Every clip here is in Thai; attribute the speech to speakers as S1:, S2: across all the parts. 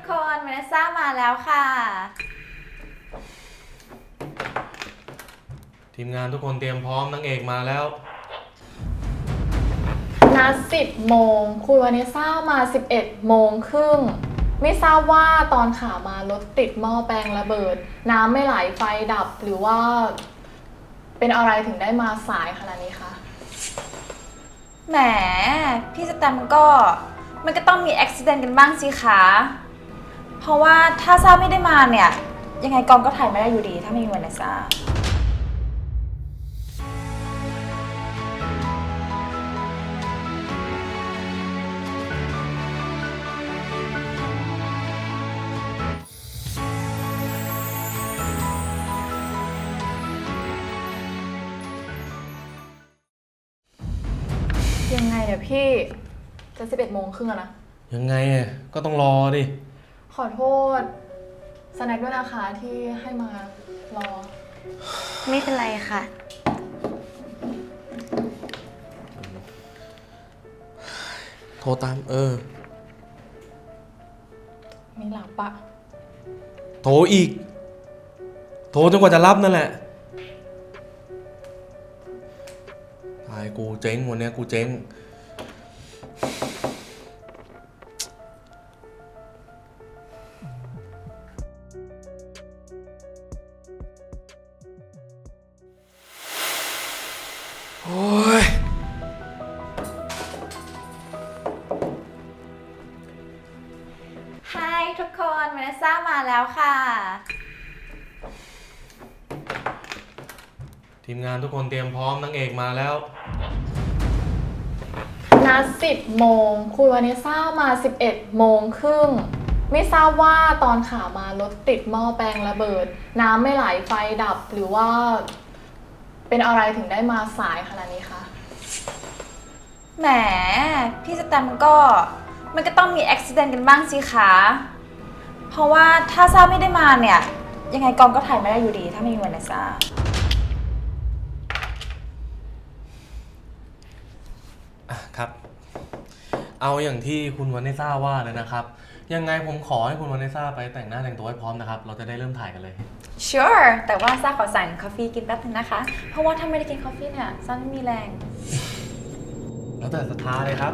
S1: คนเวเนซ่ามาแล้วค่ะ
S2: ทีมงานทุกคนเตรียมพร้อมนางเอกมาแล้ว
S3: นัด10 โมงคุณวานิซ่ามา 11 โมงครึ่งไม่ทราบว่าตอนขามารถติดหม้อแปลงระเบิดน้ำไม่ไหลไฟดับหรือว่าเป็นอะไรถึงได้มาสายขนาดนี้คะ
S1: แหมพี่สแตมมันก็ต้องมีอุบิเหตุกันบ้างสิคะเพราะว่าถ้าซ่าไม่ได้มาเนี่ยยังไงกองก็ถ่ายไม่ได้อยู่ดีถ้าไม่มีเวเนซ่า
S3: ยังไงเนี่ยพี่จะ11 โมงครึ่งแล้วนะ
S2: ยังไงก็ต้องรอดิ
S3: ขอโทษสแน็คด้วยนะคะที่ให้มารอ
S1: ไม่เป็นไรค่ะ
S2: โทรตาม
S3: มีหลับปะ
S2: โทรอีกโทรจนกว่าจะรับนั่นแหละตายกูเจ๊งวันนี้กูเจ๊งโอ้ย
S1: ไฮทุกคนเวเนซ่ามาแล้วค่ะ
S2: ทีมงานทุกคนเตรียมพร้อมนางเอกมาแล้ว
S3: นัด10 โมงคุณวานิซ่ามา 11 โมงครึ่งไม่ทราบว่าตอนขามารถติดหม้อแปลงระเบิดน้ำไม่ไหลไฟดับหรือว่าเป็นอะไรถึงได้มาสายขนาดนี้คะ
S1: แหมพี่สแตมมันก็ต้องมีอุบิเหตุกันบ้างสิคะเพราะว่าถ้าซ่าไม่ได้มาเนี่ยยังไงกองก็ถ่ายไม่ได้อยู่ดีถ้าไม่มีเวเนซ่า
S2: ครับเอาอย่างที่คุณวานิซ่าว่าเลยนะครับยังไงผมขอให้คุณวานิซ่าไปแต่งหน้าแต่งตัวให้พร้อมนะครับเราจะได้เริ่มถ่ายกันเลย
S1: Sure แต่ว่าซ่าขอสั่งกาแฟกินแป๊บนึงนะคะเพราะว่าถ้าไม่ได้กินกาแฟเนี่ยซ่าไม่มีแรง
S2: แล้วแต่ศรัทธาเลยครับ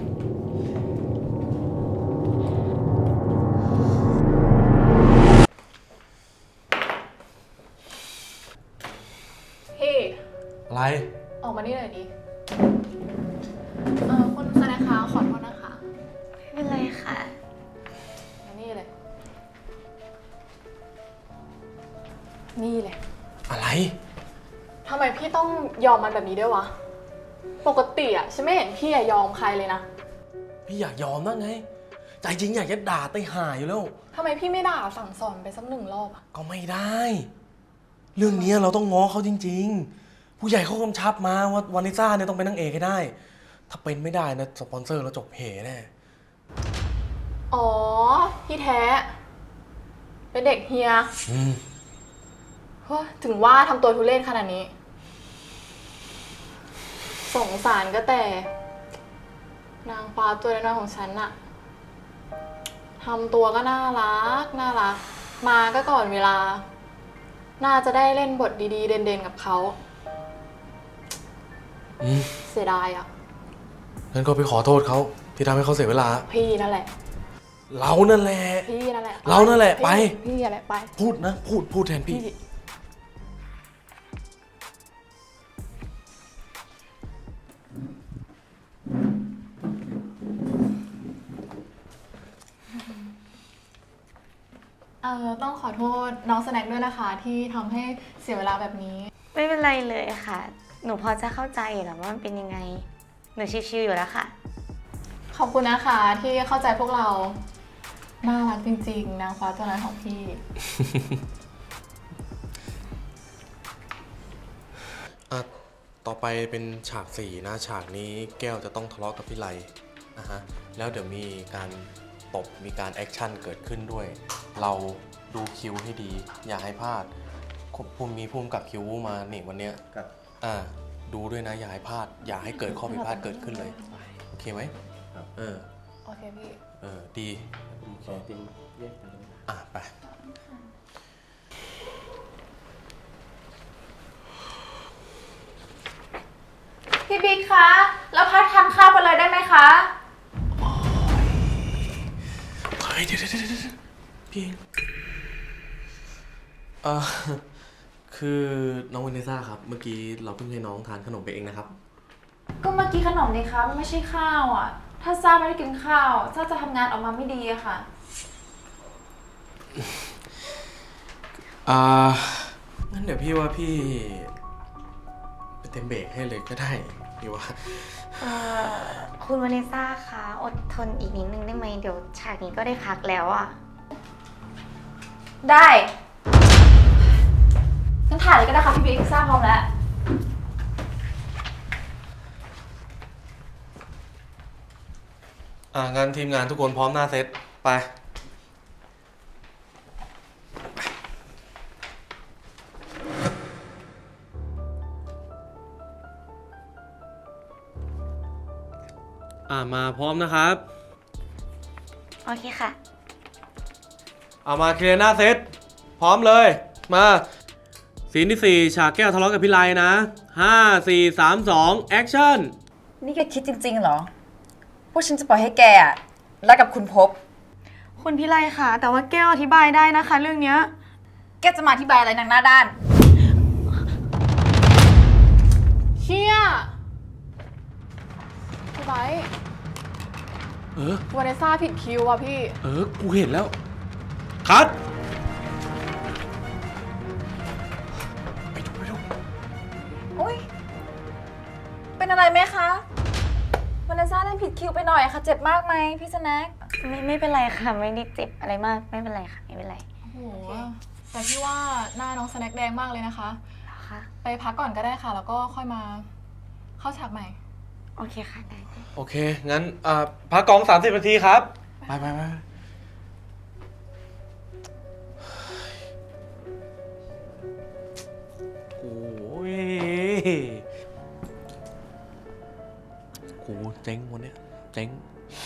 S3: พี่
S2: อะไร
S3: ออกมานี่หน่อยดิคุณสแน็คคะขอโทษนะคะ
S1: ไม่เป็นไรค่ะ
S3: มานี่เลยนี่เลย
S2: อะไร
S3: ทำไมพี่ต้องยอมมันแบบนี้ด้วยวะปกติอะฉันไม่เห็นพี่ยอมใครเลยนะ
S2: พี่อยากยอมนะไงใจจริงอยากจะด่าไต้ห่าอยู่แล้ว
S3: ทำไมพี่ไม่ด่าสั่งสอนไปสัก1 รอบอะ
S2: ก็ไม่ได้เรื่องนี้เราต้องง้อเขาจริงๆผู้ใหญ่เขากำชับมาว่าวานิซ่าเนี่ยต้องเป็นนางเอกให้ได้ถ้าเป็นไม่ได้นะสปอนเซอร์เราจบเหแน่
S3: อ๋อพี่แท้เป็นเด็กเฮียถึงว่าทำตัวทุเรศขนาดนี้สงสารก็แต่นางฟ้าตัวน้อยของฉันน่ะทำตัวก็น่ารักมาก็ก่อนเวลาน่าจะได้เล่นบทดีๆเด่นๆกับเขาเสียดายอ่ะ
S2: งั้นก็ไปขอโทษเขาที่ทำให้เขาเสียเวลา
S3: พี่นั่นแหละ
S2: เรานั่นแหละ
S3: พี่นั่นแหละ
S2: เรานั่นแหละไป
S3: พี่นั่นแหละไป
S2: พูดนะพูดแทนพี่
S3: ต้องขอโทษน้องสแน็คด้วยนะคะที่ทำให้เสียเวลาแบบนี้
S1: ไม่เป็นไรเลยค่ะหนูพอจะเข้าใจอยู่แล้วว่ามันเป็นยังไงหนูชิวๆอยู่แล้วค่ะ
S3: ขอบคุณนะคะที่เข้าใจพวกเราน่ารักจริงๆนางฟ้าตัวน้อยของพี่
S2: ต่อไปเป็นฉาก4นะฉากนี้แก้วจะต้องทะเลาะกับพี่ไลนะฮะแล้วเดี๋ยวมีการตบมีการแอคชั่นเกิดขึ้นด้วยเราดูคิวให้ดีอย่าให้พลาดผมมีภูมิกับคิวมานี่วันเนี้ยดูด้วยนะอย่าให้พลาดอย่าให้เกิดข้อผิดพลาดเกิดขึ้นเลยโอเคไหม
S3: โอเคพี่
S2: ดี
S4: ผมขอเตรียมแยกกันเลย
S2: ไป
S1: พี่บิ๊กคะ แล้วพักทานข้าวไปเลยได้ไหมคะ
S2: เฮ้ยเดี๋ยวพี่เองคือน้องเวเนซ่าครับ เมื่อกี้เราเพิ่งให้น้องทานขนมไปเองนะครับ
S1: ก็เมื่อกี้ขนมนี่คะมันไม่ใช่ข้าวอ่ะ ถ้าซ่าไม่ได้กินข้าวซ่าจะทำงานออกมาไม่ดีอะค่ะ
S2: งั้นเดี๋ยวพี่ว่าพี่ไปเต็มเบรกให้เลยก็ได้พี่ว่า
S5: คุณวาเนซ่าคะอดทนอีกนิดนึงได้ไหมเดี๋ยวฉากนี้ก็ได้พักแล้วอะ
S1: ได้งั้นถ่ายเลยก็ได้ค่ะพี่บิ๊กซ่าพร้อมแล้ว
S2: งั้นทีมงานทุกคนพร้อมหน้าเซตไป มาพร้อมนะครับ
S5: โอเคค่ะ
S2: มาเคลียร์หน้าเซตพร้อมเลยมาซีนที่ 4 ฉากแก้วทะเลาะกับพี่ไลนะ 5 4 3 2 แอคชั่น
S1: นี่แกคิดจริงๆเหรอ พวกฉันจะปล่อยให้แกอะรักกับคุณภพ
S5: คุณพิไลค่ะ แต่ว่าแก้วอธิบายได้นะคะเรื่องเนี้ย
S1: แกจะมาอธิบายอะไรนางหน้าด้าน
S3: เชี่ยพี่ไบร์ทวาเนซ่าผิดคิวอ่ะพี่
S2: กูเห็นแล้ว คัดไปดู
S1: อุ้ยเป็นอะไรไหมคะวาเลนซ่าเล่นผิดคิวไปหน่อยค่ะ เจ็บมากไหมพี่สแน็ค
S5: ไม่เป็นไรค่ะ ไม่ได้เจ็บอะไรมาก ไม่เป็นไรค่ะ ไม่เป็นไร
S3: โอ้โห แต่พี่ว่าหน้าน้องสแน็คแดงมากเลยนะคะ
S5: ค่ะ
S3: ไปพักก่อนก็ได้ค่ะ แล้วก็ค่อยมาเข้าฉากใหม่
S5: โอเคค่ะ ได้
S2: โอเค งั้นพักกอง 30 นาทีครับ ไปโอ้ยกูเจ๊งวันเนี้ยเจ๊ง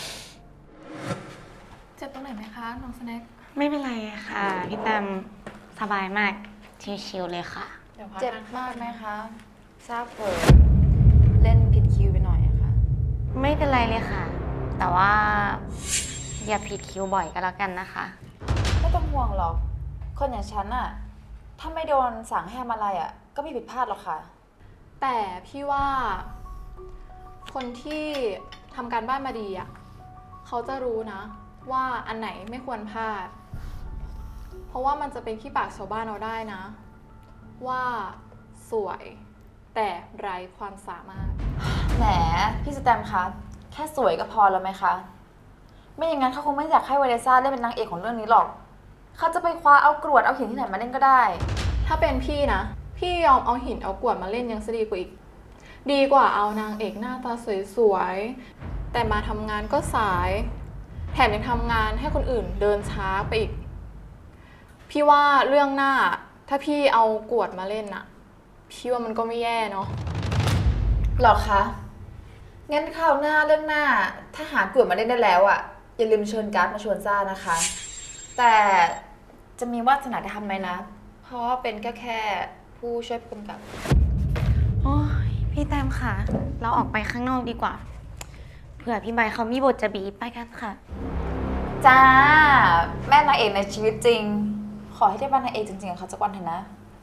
S3: เจ็บตรงไหนไหมคะน้องสแน็ค
S5: ไม่เป็นไรค่ะ พี่แตมสบายมาก ชิวๆเลยค่ะ
S3: เดี๋ยวพัก
S1: เจ็บ
S3: นะ
S1: มากไหมคะทราบเผลอเล่นผิดคิวไปหน่อยอะค่ะ
S5: ไม่เป็นไรเลยค่ะ แต่ว่าอย่าผิดคิวบ่อยก็แล้วกันนะคะ
S1: ไม่ต้องห่วงหรอก คนอย่างฉันอะถ้าไม่โดนสั่งให้ทำอะไรอะก็ไม่ผิดพลาดหรอกค่ะ
S3: แต่พี่ว่า คนที่ทำการบ้านมาดีอ่ะเขาจะรู้นะ ว่าอันไหนไม่ควรพลาด เพราะว่ามันจะเป็นขี้ปากชาวบ้านเราได้นะ ว่าสวยแต่ไร้ความสามารถ
S1: แหมพี่สแตมคะแค่สวยก็พอแล้วไหมคะ ไม่อย่างนั้นเขาคงไม่อยากให้วาเลนซ่าเล่นเป็นนางเอกของเรื่องนี้หรอก เขาจะไปคว้าเอากรวดเอาหินที่ไหนมาเล่นก็ได้
S3: ถ้าเป็นพี่นะ พี่ยอมเอาหินเอากรวดมาเล่นยังจะดีกว่าอีก ดีกว่าเอานางเอกหน้าตาสวยๆแต่มาทำงานก็สาย แถมยังทำงานให้คนอื่นเดินช้าไปอีก พี่ว่าเรื่องหน้าถ้าพี่เอากรวดมาเล่นน่ะ พี่ว่ามันก็ไม่แย่เนาะ
S1: หรอคะ งั้นคราวหน้าเรื่องหน้า ถ้าหากลุ่มมาเล่นได้แล้วอ่ะ อย่าลืมเชิญการ์ดมาชวนซ่านะคะ แต่จะมีวาสนาได้ทำไหมนะ เพราะว่าเป็นแค่ผู้ช่วยผู้กำกับ
S5: โอ้ยพี่แตมค่ะ เราออกไปข้างนอกดีกว่า เผื่อพี่ใบเขามีบทจะบีบไปกันค่ะ
S1: จ้า แม่นางเอกในชีวิตจริง ขอให้ได้เป็นนางเอกจริงๆกับเขาสักวันเถอะนะ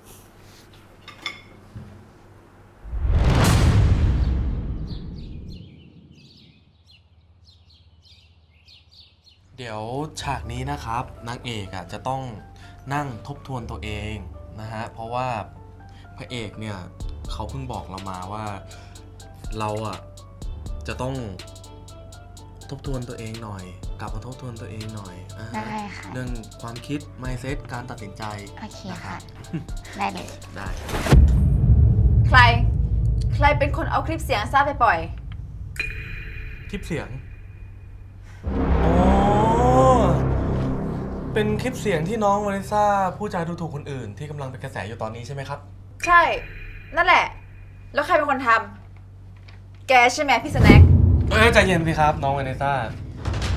S2: เดี๋ยวฉากนี้นะครับนางเอกจะต้องนั่งทบทวนตัวเองนะฮะเพราะว่าพระเอกเนี่ยเขาเพิ่งบอกเรามาว่าเราจะต้องทบทวนตัวเองหน่อย กลับมาทบทวนตัวเองหน่อยนะฮะ
S5: ได้ค่ะ
S2: เรื่องความคิด mindset การตัดสินใจ
S5: โอเค
S2: นะครั
S5: ค่ะ
S2: บ
S5: ได้เลย
S2: ได้
S1: ใครเป็นคนเอาคลิปเสียงซ่าไปปล่อย
S2: คลิปเสียงอ๋อเป็นคลิปเสียงที่น้องวานิซ่าพูดจาดูถูกคนอื่นที่กำลังเป็นกระแสอยู่ตอนนี้ใช่ไหมครับ
S1: ใช่ นั่นแหละ แล้วใครเป็นคนทำ แกใช่ไหมพี่สแน็ค
S2: ใจเย็นสิครับน้องวานิซ่า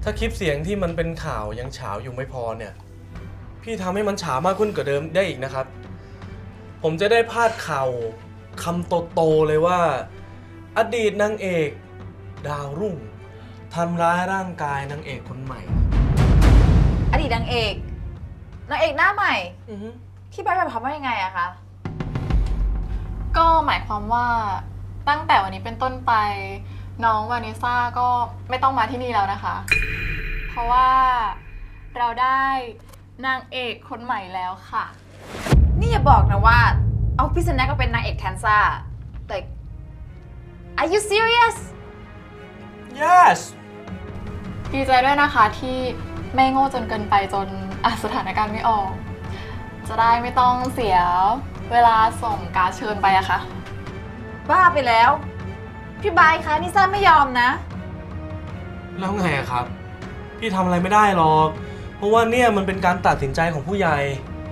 S2: ถ้าคลิปเสียงที่มันเป็นข่าวยังเฉาอยู่ไม่พอเนี่ย พี่ทำให้มันเฉามากขึ้นกว่าเดิมได้อีกนะครับ ผมจะได้พาดข่าวคำโตๆเลยว่า อดีตนางเอกดาวรุ่งทำร้ายร่างกายนางเอกคนใหม่
S1: อดีตนางเอกหน้าใหม่
S2: อือฮึ
S1: พี่ใบร์ททำว่ายังไงอะคะ
S3: ก็หมายความว่าตั้งแต่วันนี้เป็นต้นไป น้องวานิซ่าก็ไม่ต้องมาที่นี่แล้วนะคะ เพราะว่าเราได้นางเอกคนใหม่แล้วค่ะ
S1: นี่อย่าบอกนะว่า เอาพี่สแน็คก็เป็นนางเอกแทนซ่า like are you serious
S2: yes
S3: ดีใจด้วยนะคะที่ไม่โง่จนเกินไปจนสถานการณ์ไม่ออก จะได้ไม่ต้องเสียเวลาส่งการดเชิญไปอะค่ะ
S1: บ้าไปแล้ว พี่ใบร์ทคะนิซ่าไม่ยอมนะ
S2: แล้วไงอะครับ พี่ทำอะไรไม่ได้หรอก เพราะว่าเนี่ยมันเป็นการตัดสินใจของผู้ใหญ่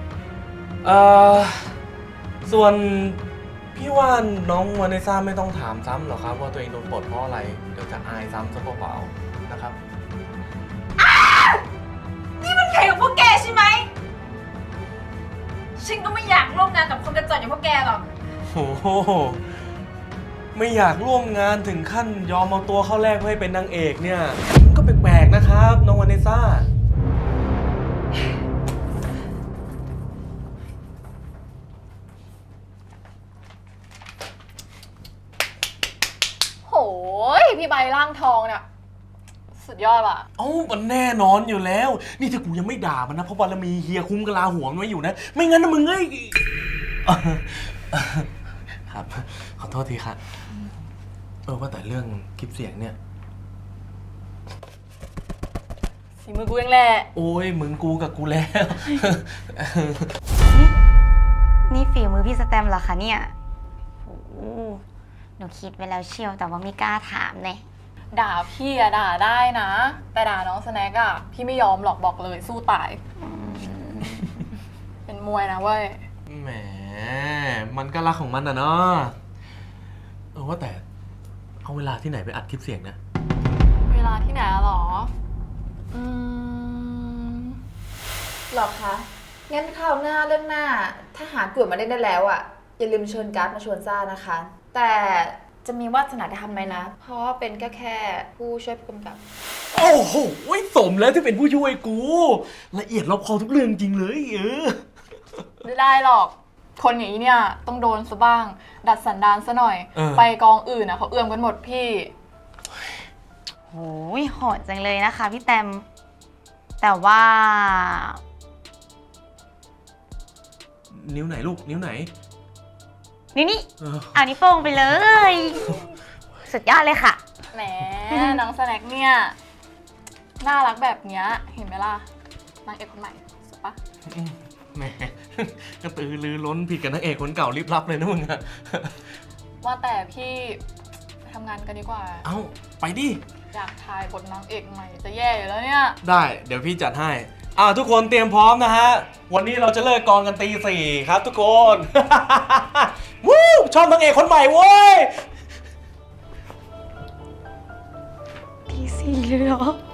S2: ส่วนพี่ว่าน้องวานิซ่าไม่ต้องถามซ้ำหรอกครับว่าตัวเองโดนปลดเพราะอะไร เดี๋ยวจะอายซ้ำซะเปล่าๆนะครับ
S1: นี่มันใครของพวกแกใช่ไหม ฉันก็ไม่อยากร่วมงานกับคนกระจอกอย่างพวกแกหรอก
S2: โอ้โห ไม่อยากร่วมงานถึงขั้นยอมเอาตัวเข้าแลกเพื่อให้เป็นนางเอกเนี่ยมันก็แปลกๆนะครับน้องวานิซ่า
S3: โหยพี่ใบร่างทองเนี่ยสุดยอดว่ะ
S2: เอ้ามันแน่นอนอยู่แล้ว นี่ถ้ากูยังไม่ด่ามันนะเพราะบารมีเฮียคุ้มกะลาหัวมันไว้อยู่นะ ไม่งั้นนะมึงเอ้ยครับ ขอโทษทีครับว่าแต่เรื่องคลิปเสียงเนี่ย
S3: สีมือกูเองแหละ
S2: โอ้ยมึงกูกับกูแล้ว
S5: นี่ฝีมือพี่สแตมเหรอคะเนี่ยโอ้โหหนูคิดไว้แล้วเชียวแต่ว่าไม่กล้าถามเลย
S3: ด่าพี่อะด่าได้นะ แต่ด่าน้องสแน็คอะพี่ไม่ยอมหรอกบอกเลยสู้ตาย เป็นมวยนะเว้ย
S2: แหม มันก็รักของมันนะเนาะว่าแต่เอาเวลาที่ไหนไปอัดคลิปเสียงเนี่ย
S3: เวลาที่ไหนอะหรอ
S1: หรอคะ งั้นคราวหน้าเรื่องหน้า ถ้าหากลุ่มมาเล่นได้แล้วอ่ะ อย่าลืมเชิญการ์ดมาชวนซ่านะคะ แต่จะมีวาสนาได้ทำไหมนะ เพราะว่าเป็นแค่ผู้ช่วยผู้กำกับ
S2: โอ้โหสมแล้วที่เป็นผู้ช่วยกู ละเอียดรอบคอบทุกเรื่องจริงเลย
S3: ไม่ได้หรอก คนอย่างนี้เนี่ยต้องโดนซะบ้าง ดัดสันดานซะหน่อย ไปกองอื่นอะเขาเอื้อมกันหมดพี่
S5: โหยโหดจังเลยนะคะพี่แตม แต่ว่า
S2: นิ้วไหนลูก นิ้วไหน
S5: นี่
S2: เออ
S5: เอานิ้วโป้งไปเลย สุดยอดเลยค่ะ
S3: แหม น้องสแน็คเนี่ย น่ารักแบบเนี้ยเห็นไหมล่ะ นางเอกคนใหม่สุดปะ
S2: แหม กระตือรือร้นผิดกับนางเอกคนเก่ารีบรับเลยนะมึงอะ
S3: ว่าแต่พี่ไปทำงานกันดีกว่า
S2: เอ้า ไปดิ
S3: อยากถ่ายบทนางเอกใหม่จะแย่อยู่แล้วเนี่ย
S2: ได้ เดี๋ยวพี่จัดให้ ทุกคนเตรียมพร้อมนะฮะ วันนี้เราจะเลิกกองกันตี 4ครับทุกคน วู้ชอบนางเอกคนใหม่เว้ย
S5: พี่สี่เลยเหรอ